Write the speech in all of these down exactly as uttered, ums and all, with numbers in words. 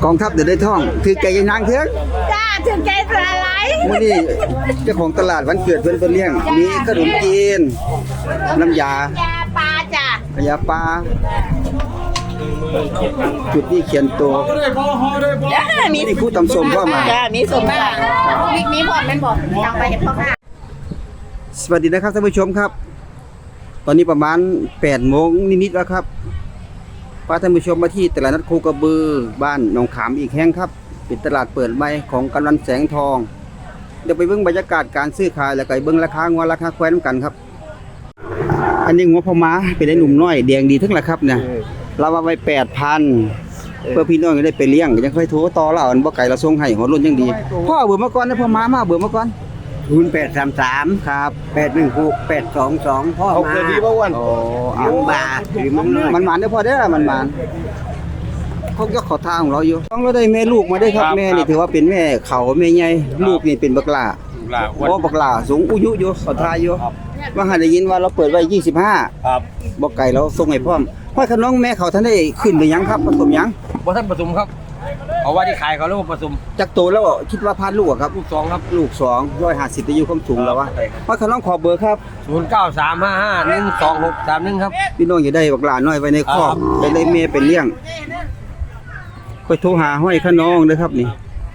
กองทัพเดี๋ยวได้ท่องถือใจยายนางเถอะจ้าถึงใจสลายมื้อนี้เจ้าของตลาดวันเกิดเพิ่นเพิ่นเลี้ยงมีขนมจีนน้ำยายาปลาจ้ะยาปลาจุดนี้เขียนตัวจ้ามีนี่ผู้ตำส้มพ่อมาจ้ามีสมบ้างมีมีพอดเป็นบ่ยังไปเห็นพ่อค่ะสวัสดีนะครับท่านผู้ชมครับ ตอนนี้ประมาณแปดโมงนิดๆแล้วครับพาท่านผู้ชมมาที่ตลาดนัดโคกระบือบ้านหนองขามอีกแห่งครับเป็นตลาดเปิดใหม่ของกำนันแสงทองเดี๋ยวไปเบิ่งบรรยากาศการซื้อขายแล้วก็ไปเบิ่งราคางัวราคาควายนำกันครับ อันนี้งัวพ่อม้าเป็นไอ้หนุ่มน้อยแดงดีทั้งละครับเนี่ยเราเอาไว้ แปดพัน เพื่อพี่น้องจะได้ไปเลี้ยงยังค่อยโทรต่อเราอันบ่ไก่เราส่งให้หัวรุ่นยังดีพ่อเอาเบื่อมาก่อนนะพ่อม้ามาเอาเบื่อมาก่อนศูนย์แปดสามสามครับแปดหนึ่งหกแปดสองสองพ่อมาโอ้เลี้ยงบาหรือมันน้อยมันหวานเด้อพ่อเด้อมันหวานเขาก็ขอทางของเราอยู่ต้องเราได้แม่ลูกมาได้ครับแม่นี่ถือว่าเป็นแม่เขาแม่ใหญ่ลูกนี่เป็นบักหลาลาเพราะบักหลาสูงอายุอยู่ขอทายอยู่ว่าหาได้ยินว่าเราเปิดไว้ยี่สิบห้าครับบ่ไก่เราส่งให้พร้อมพ่อขน้องแม่เขาท่านได้ขึ้นหรือยังครับผสมยังบ่ท่านผสมครับเอาว่าที่ขายเขาเรียกว่าผสมจักโตแล้วคิดว่าพานลูกอะครับลูกสองครับลูกสองร้อยห้าสิบอายุความสูงแล้ววะพ่อขน้องขอเบอร์ครับศูนย์เก้าสามห้าห้าหนึ่งสองหกสามหนึ่งครับพี่น้องอย่าได้บักหลาน้อยไว้ในคอกครับไปได้เมย์เป็นเลี้ยงค่อยโทรหาห้อยขน้องเด้อครับนี่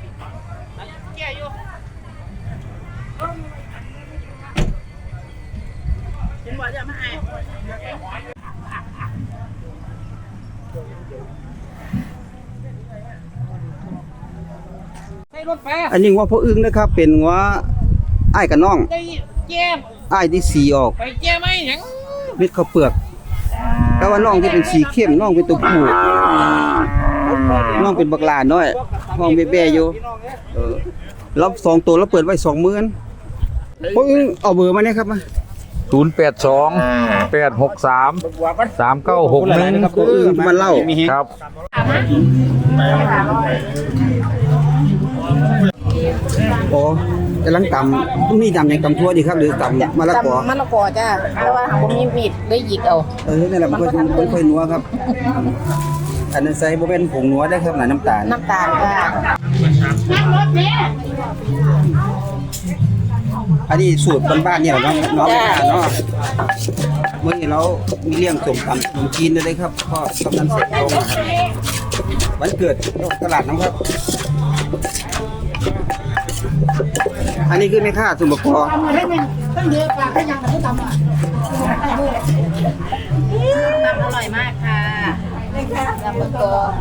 อันนี้งัวพ่ออึ้งนะครับเป็นงัวอ้ายกับน้องได้แก้มอ้ายที่สีออกไปแก้ไหมหยังเม็ดข้าวเปลือกแต่ว่าน้องที่เป็นสีเข้มน้องเป็นตัวผู้น้องเป็นบักหลาน้อยห้องแบ่ๆอยู่เออรับสองตัวแล้วเปิดไว้สองหมื่นพ่ออึ้งเอาเบอร์มาเนี่ยครับมาศูนย์แปดสองแปดหกสามสามเก้าหกหนึ่งพ่ออึ้งมันเล่าครับโอ้กำลังตำมีตำยังตำทั่วดีครับหรือตำมะละกอมะละกอจ้าแต่ว่าหากว่ามีมีดได้หยิกเอาเออนั่นแหละมันค่อยมันค่อยนัวครับ อันนั้นใส่บ่เป็นผงนัวได้ครับหน่ะน้ำตาลน้ำตาลจ้าอันนี้สูตรบ้านๆเนี่ยเนาะเนาะเนาะเมื่อนี้เรามีเลี้ยงสมตำขนมจีนด้วยเลยครับพ่อกำนันเสร็จตรงนะครับวันเกิดตลาดน้ำครับ อันนี้คือแม่ค้าสมบัติพอตั้งเยอะกว่าก็ยังไม่ทำอ่ะตำอร่อยมากค่ะตำมะกอ